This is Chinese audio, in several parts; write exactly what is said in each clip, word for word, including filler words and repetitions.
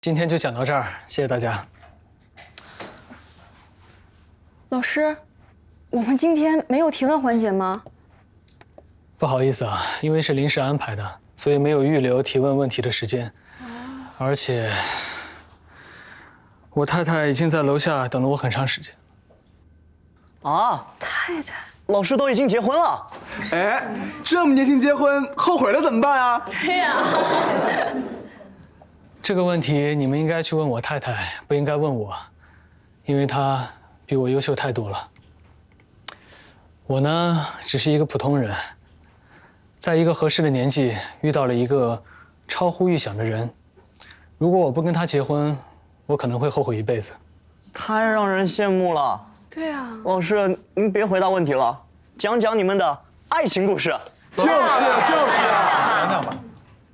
今天就讲到这儿，谢谢大家。 老师，我们今天没有提问环节吗？ 不好意思啊，因为是临时安排的，所以没有预留提问问题的时间。而且，我太太已经在楼下等了我很长时间。 啊， 太太， 老师都已经结婚了。 哎，这么年轻结婚，后悔了怎么办啊？ 对呀。 这个问题你们应该去问我太太，不应该问我，因为她比我优秀太多了。我呢，只是一个普通人，在一个合适的年纪遇到了一个超乎预想的人。如果我不跟他结婚，我可能会后悔一辈子。 太让人羡慕了。 对呀。 老师，您别回答问题了，讲讲你们的爱情故事。 就是就是讲讲吧。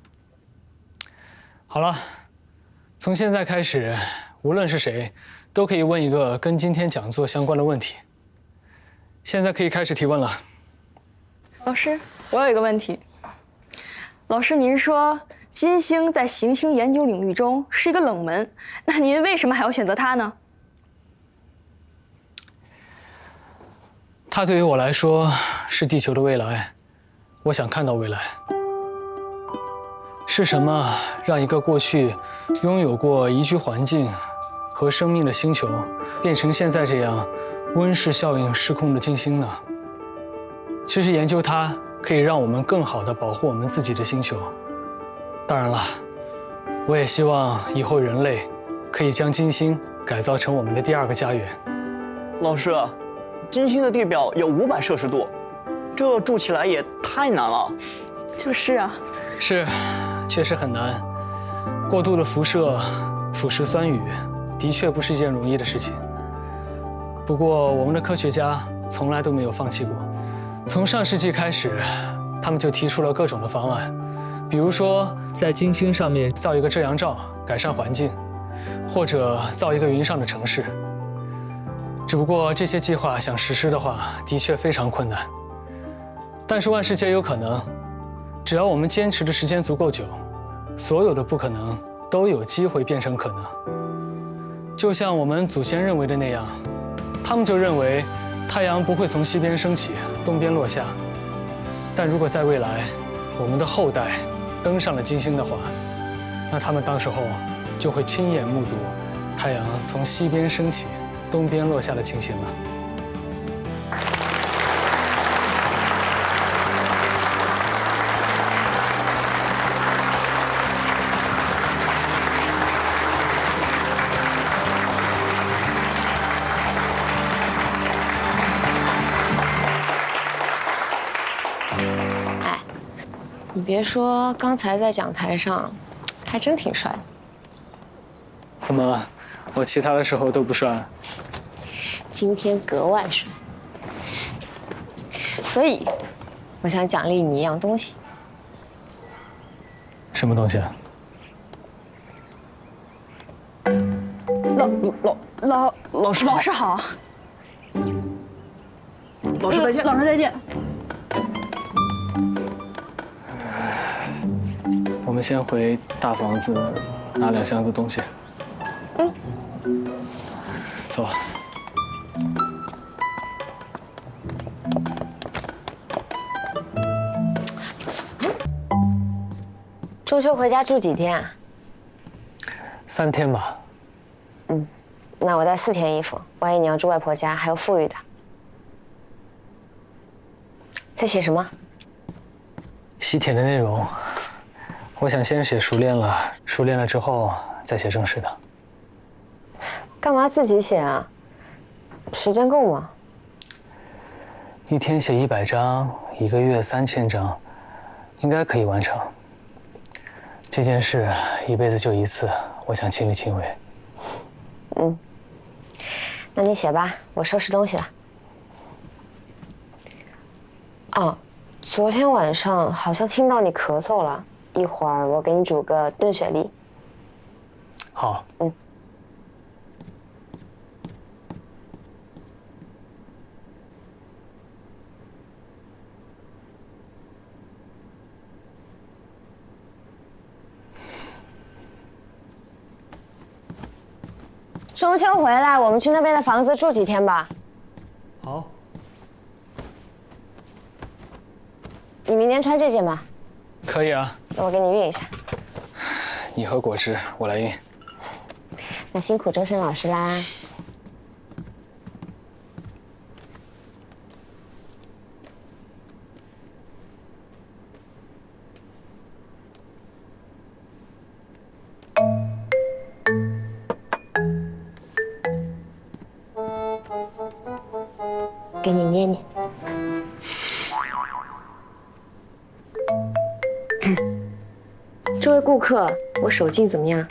好了，从现在开始，无论是谁，都可以问一个跟今天讲座相关的问题。现在可以开始提问了。 老师，我有一个问题。老师，您说金星在行星研究领域中是一个冷门，那您为什么还要选择它呢？ 它对于我来说是地球的未来，我想看到未来。是什么让一个过去拥有过宜居环境和生命的星球，变成现在这样温室效应失控的金星呢？其实研究它可以让我们更好地保护我们自己的星球。当然了，我也希望以后人类可以将金星改造成我们的第二个家园。 老师，金星的地表有五百摄氏度，这住起来也太难了。 就是啊。 是，确实很难。过度的辐射、腐蚀酸雨，的确不是一件容易的事情。不过，我们的科学家从来都没有放弃过。从上世纪开始，他们就提出了各种的方案，比如说在金星上面造一个遮阳罩，改善环境，或者造一个云上的城市。只不过这些计划想实施的话，的确非常困难。但是万事皆有可能。只要我们坚持的时间足够久，所有的不可能都有机会变成可能。就像我们祖先认为的那样，他们就认为太阳不会从西边升起，东边落下。但如果在未来，我们的后代登上了金星的话，那他们当时候就会亲眼目睹太阳从西边升起，东边落下的情形了。 你别说，刚才在讲台上，还真挺帅的。 怎么，我其他的时候都不帅？ 今天格外帅。所以，我想奖励你一样东西。 什么东西啊？ 老老老老师好， 老师好。 老师再见。 老师再见。 我们先回大房子拿两箱子东西。 嗯。 走。 中秋回家住几天啊？ 三天吧。 嗯，那我带四天衣服，万一你要住外婆家，还有富裕的。在写什么？ 西帖的内容。我想先写熟练了，熟练了之后再写正式的。 干嘛自己写啊？时间够吗？ 一天写一百张，一个月三千张，应该可以完成。这件事一辈子就一次，我想亲力亲为。 嗯，那你写吧，我收拾东西了。哦，昨天晚上好像听到你咳嗽了。一会儿我给你煮个炖雪梨。 好。 嗯。 中秋回来，我们去那边的房子住几天吧。 好， 你明天穿这件吧。 可以啊。 那我给你熨一下。 你喝果汁，我来熨。 那辛苦周深老师啦。给你捏捏。这位顾客，我手劲怎么样？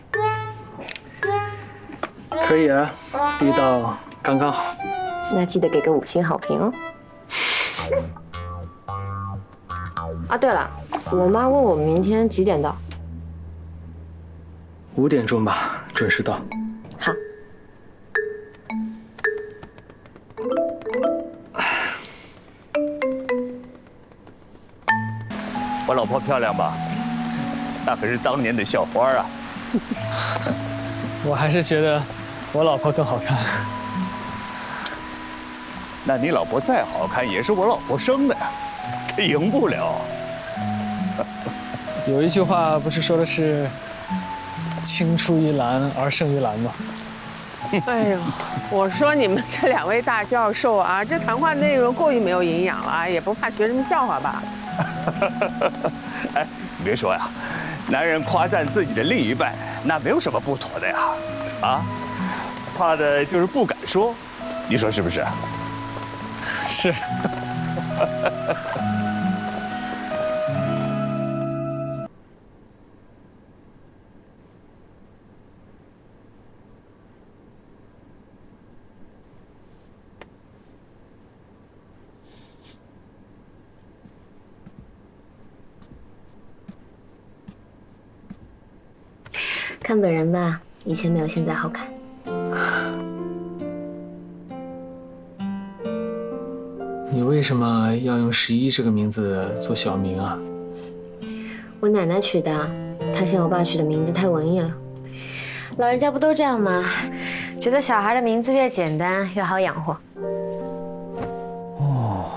可以啊，力道刚刚好。 那记得给个五星好评哦。啊，对了，我妈问我明天几点到。 五点钟吧，准时到。 好。 我老婆漂亮吧？那可是当年的校花啊！ 我还是觉得我老婆更好看。 那你老婆再好看，也是我老婆生的呀，这赢不了。 有一句话不是说的是“青出于蓝而胜于蓝”吗？ 哎呦，我说你们这两位大教授啊，这谈话内容过于没有营养了，也不怕学生笑话吧？ 哎，你别说呀，男人夸赞自己的另一半，那没有什么不妥的呀，啊，怕的就是不敢说，你说是不是？ 是。 看本人吧，以前没有现在好看。 你为什么要用十一这个名字做小名啊？ 我奶奶取的，她嫌我爸取的名字太文艺了。老人家不都这样吗？觉得小孩的名字越简单越好养活。 哦。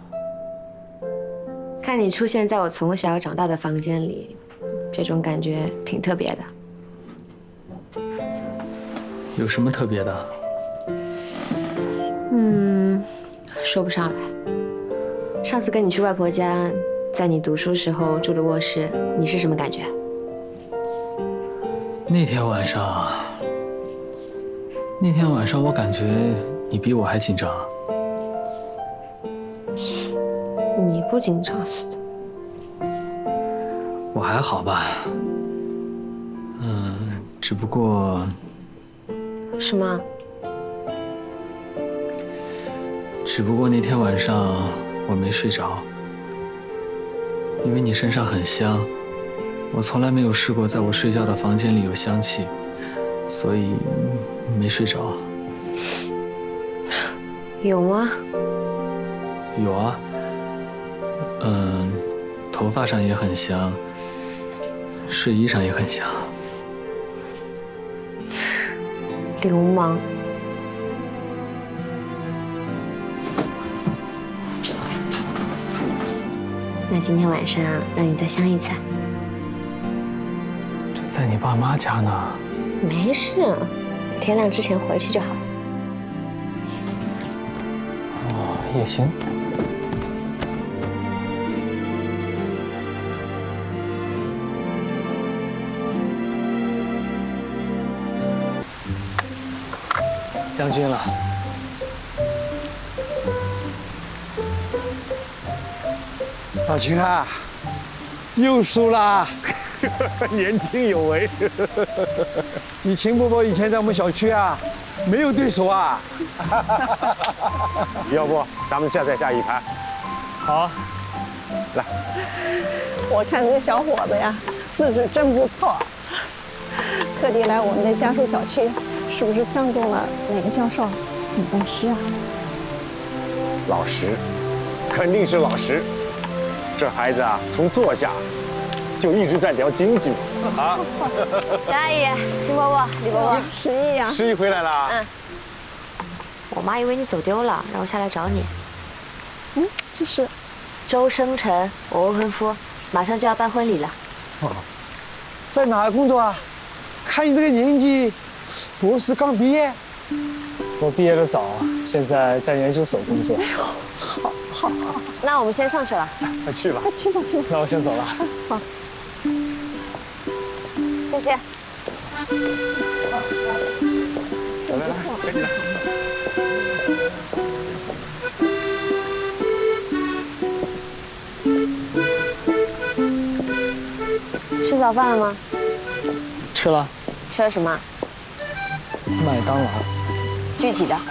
看你出现在我从小长大的房间里，这种感觉挺特别的。 有什么特别的？ 嗯，说不上来。上次跟你去外婆家，在你读书时候住的卧室，你是什么感觉？ 那天晚上，那天晚上我感觉你比我还紧张。 你不紧张死的。 我还好吧。嗯，只不过。 什么？ 只不过那天晚上我没睡着，因为你身上很香，我从来没有试过在我睡觉的房间里有香气，所以没睡着。 有吗？ 有啊，嗯，头发上也很香，睡衣上也很香。 流氓。那今天晚上让你再香一次。 这在你爸妈家呢。 没事，天亮之前回去就好了。 哦，也行。将军了。 老秦啊，又输啦！ 年轻有为。 你秦伯伯以前在我们小区啊，没有对手啊。 要不咱们现在下一盘？ 好啊。 来。 我看这小伙子呀，资质真不错，特地来我们的家属小区。是不是相中了哪个教授送恩师啊？ 老实，肯定是老实。这孩子啊，从坐下就一直在聊经济啊。 张阿姨、秦伯伯、李伯伯， 十一呀， 十一回来啦。 嗯。我妈以为你走丢了，让我下来找你。 嗯，这是周生辰，我未婚夫，马上就要办婚礼了。 哦，在哪儿工作啊？看你这个年纪，博士刚毕业。 我毕业的早，现在在研究所工作。 好，好，好。 那我们先上去了。 快去吧。 快去吧，去吧。 那我先走了。 好。 再见。 来来来，赶紧来。 吃早饭了吗？ 吃了。 吃了什么？ 麦当劳。 具体的。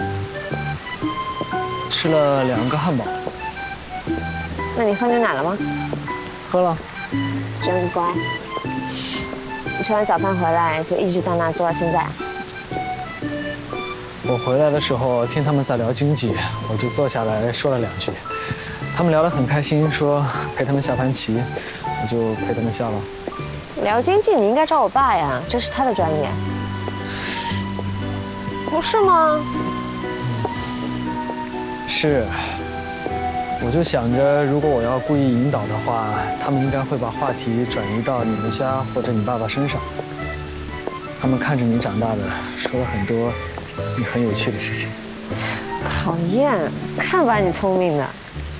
吃了两个汉堡。 那你喝牛奶了吗？ 喝了。 真乖。你吃完早饭回来就一直在那坐到现在。 我回来的时候听他们在聊经济，我就坐下来说了两句。他们聊得很开心，说陪他们下盘棋，我就陪他们下了。 聊经济你应该找我爸呀，这是他的专业。不是吗？ 是。我就想着，如果我要故意引导的话，他们应该会把话题转移到你们家或者你爸爸身上。他们看着你长大的，说了很多你很有趣的事情。 讨厌，看把你聪明的。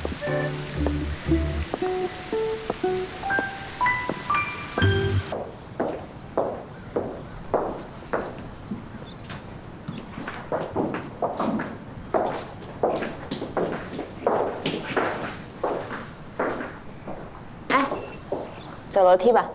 哎，走楼梯吧。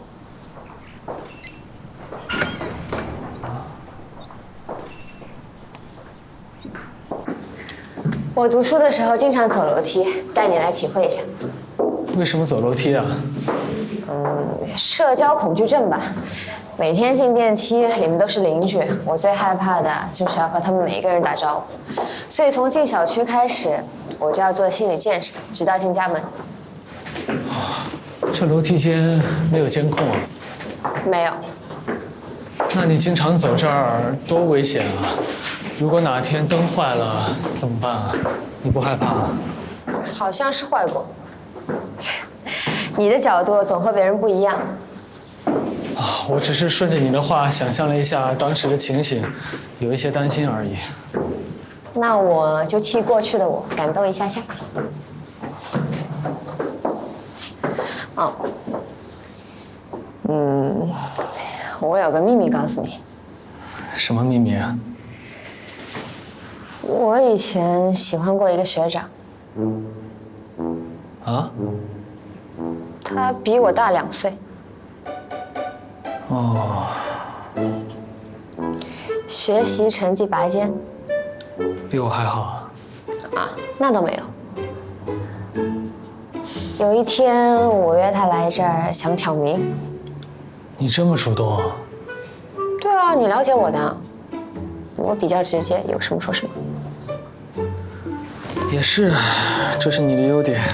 我读书的时候经常走楼梯，带你来体会一下。 为什么走楼梯啊？ 嗯，社交恐惧症吧。每天进电梯，里面都是邻居，我最害怕的就是要和他们每一个人打招呼。所以从进小区开始，我就要做心理建设，直到进家门。 这楼梯间没有监控啊？ 没有。 那你经常走这儿，多危险啊！如果哪天灯坏了怎么办啊？你不害怕啊？ 好像是坏过。你的角度总和别人不一样。 啊，我只是顺着你的话想象了一下当时的情形，有一些担心而已。 那我就替过去的我感动一下下。哦，嗯，我有个秘密告诉你。 什么秘密啊？ 我以前喜欢过一个学长。 啊？ 他比我大两岁。 哦。 学习成绩拔尖。 比我还好啊？ 啊，那倒没有。有一天我约他来这儿，想挑明。 你这么主动啊？ 对啊，你了解我的，我比较直接，有什么说什么。 也是，这是你的优点。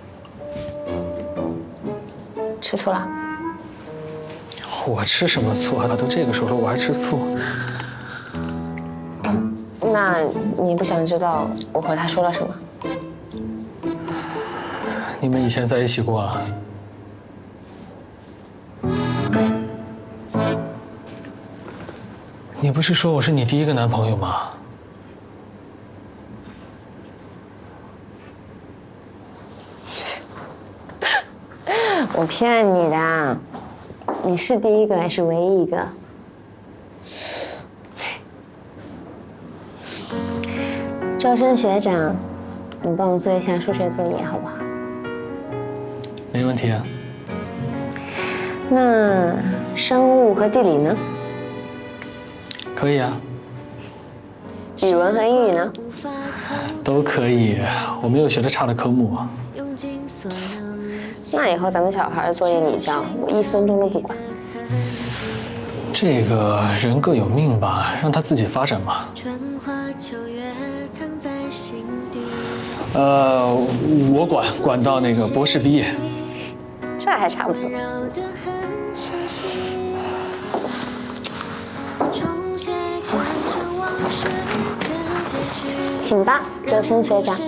吃醋了？ 我吃什么醋啊？都这个时候了，我还吃醋？ 那你不想知道我和他说了什么？ 你们以前在一起过啊？你不是说我是你第一个男朋友吗？ 我骗你的，你是第一个，也是唯一一个。周深学长，你帮我做一下数学作业好不好？ 没问题啊。 那生物和地理呢？ 可以啊。 语文和英语呢？ 都可以，我没有学的差的科目。 那以后咱们小孩的作业你交，我一分钟都不管。 这个人各有命吧，让他自己发展嘛。呃，我管管到那个博士毕业。 这还差不多。 请吧，周深学长。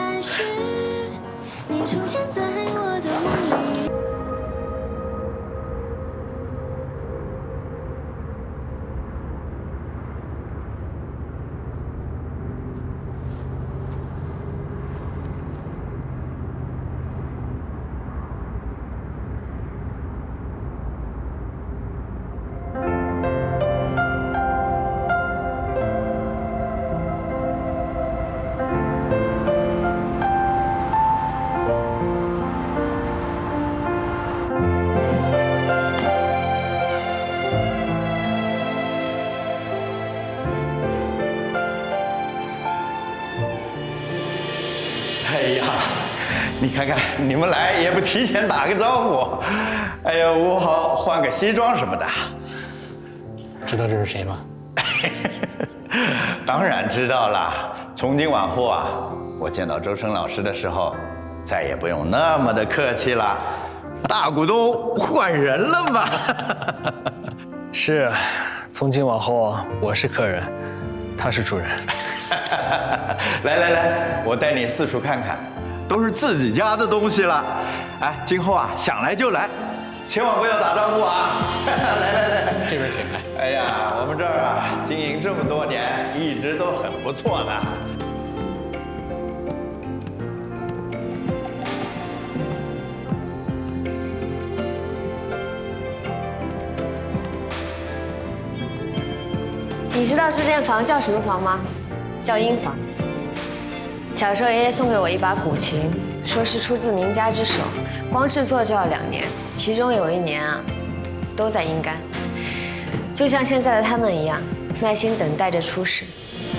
哎呀，你看看你们来也不提前打个招呼，哎呀，我好换个西装什么的。 知道这是谁吗？ 当然知道了。从今往后啊，我见到周深老师的时候，再也不用那么的客气了。大股东换人了嘛？ 是，从今往后我是客人，他是主人。 来来来，我带你四处看看，都是自己家的东西了。哎，今后啊，想来就来，千万不要打招呼啊！来来来， 这边请来。 哎呀，我们这儿啊，经营这么多年，一直都很不错的。 你知道这间房叫什么房吗？叫婴房。小时候爷爷送给我一把古琴，说是出自名家之手，光制作就要两年，其中有一年啊，都在阴干。就像现在的他们一样，耐心等待着出世。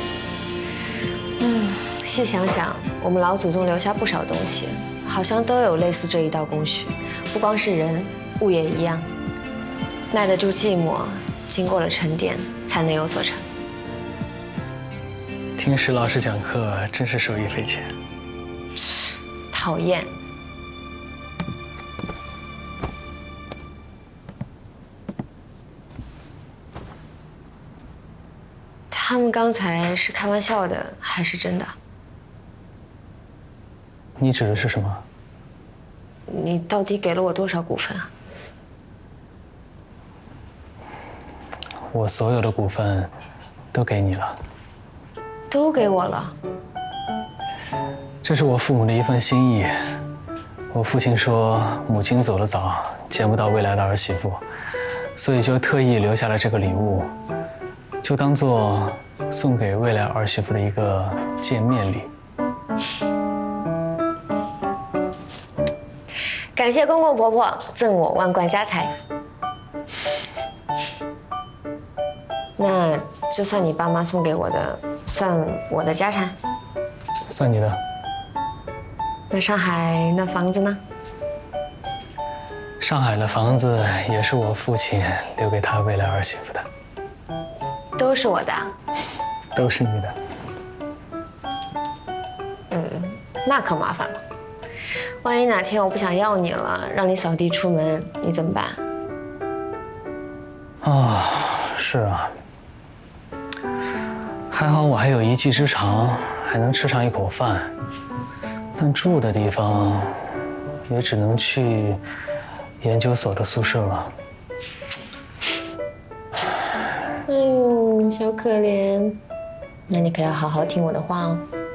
嗯，细想想，我们老祖宗留下不少东西，好像都有类似这一道工序，不光是人，物也一样，耐得住寂寞，经过了沉淀，才能有所成。 听石老师讲课真是受益匪浅。 讨厌。他们刚才是开玩笑的，还是真的？ 你指的是什么？ 你到底给了我多少股份啊？ 我所有的股份都给你了。 都给我了。 这是我父母的一份心意。我父亲说，母亲走得早，见不到未来的儿媳妇，所以就特意留下了这个礼物，就当做送给未来儿媳妇的一个见面礼。 感谢公公婆婆赠我万贯家财。那这算你爸妈送给我的，算我的家产？ 算你的。 那上海那房子呢？ 上海的房子也是我父亲留给他未来儿媳妇的。 都是我的啊？ 都是你的。 嗯，那可麻烦了。万一哪天我不想要你了，让你扫地出门，你怎么办？ 啊，是啊。还好我还有一技之长，还能吃上一口饭。但住的地方，也只能去研究所的宿舍了。 哎呦，小可怜，那你可要好好听我的话哦。